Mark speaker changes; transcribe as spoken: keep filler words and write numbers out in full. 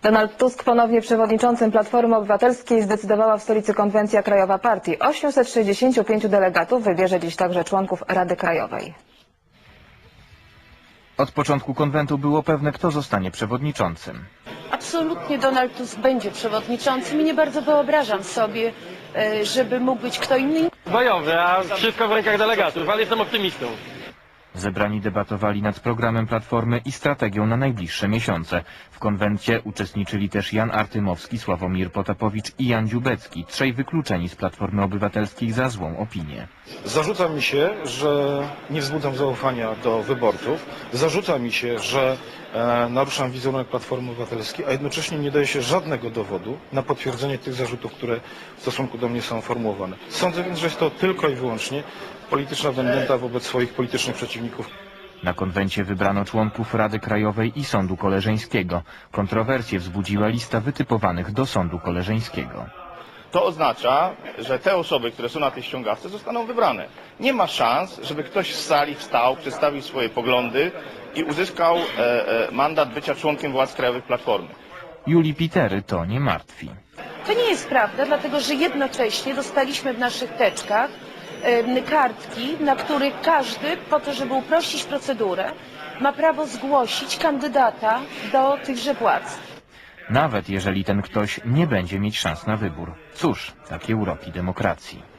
Speaker 1: Donald Tusk, ponownie przewodniczącym Platformy Obywatelskiej, zdecydowała w stolicy konwencja krajowa partii. osiemset sześćdziesięciu pięciu delegatów wybierze dziś także członków Rady Krajowej.
Speaker 2: Od początku konwentu było pewne, kto zostanie przewodniczącym.
Speaker 3: Absolutnie Donald Tusk będzie przewodniczącym i nie bardzo wyobrażam sobie, żeby mógł być kto inny.
Speaker 4: Bojowy, a wszystko w rękach delegatów, ale jestem optymistą.
Speaker 2: Zebrani debatowali nad programem Platformy i strategią na najbliższe miesiące. W konwencie uczestniczyli też Jan Artymowski, Sławomir Potapowicz i Jan Dziubecki, trzej wykluczeni z Platformy Obywatelskiej za złą opinię.
Speaker 5: Zarzuca mi się, że nie wzbudzam zaufania do wyborców. Zarzuca mi się, że e, naruszam wizerunek Platformy Obywatelskiej, a jednocześnie nie daje się żadnego dowodu na potwierdzenie tych zarzutów, które w stosunku do mnie są formułowane. Sądzę więc, że jest to tylko i wyłącznie polityczna vendetta wobec swoich politycznych przeciwników.
Speaker 2: Na konwencie wybrano członków Rady Krajowej i Sądu Koleżeńskiego. Kontrowersje wzbudziła lista wytypowanych do Sądu Koleżeńskiego.
Speaker 6: To oznacza, że te osoby, które są na tej ściągawce, zostaną wybrane. Nie ma szans, żeby ktoś z sali wstał, przedstawił swoje poglądy i uzyskał e, e, mandat bycia członkiem władz krajowych Platformy.
Speaker 2: Julii Pitery to nie martwi.
Speaker 3: To nie jest prawda, dlatego że jednocześnie dostaliśmy w naszych teczkach kartki, na których każdy, po to żeby uprościć procedurę, ma prawo zgłosić kandydata do tychże władz.
Speaker 2: Nawet jeżeli ten ktoś nie będzie mieć szans na wybór. Cóż, takie uroki demokracji.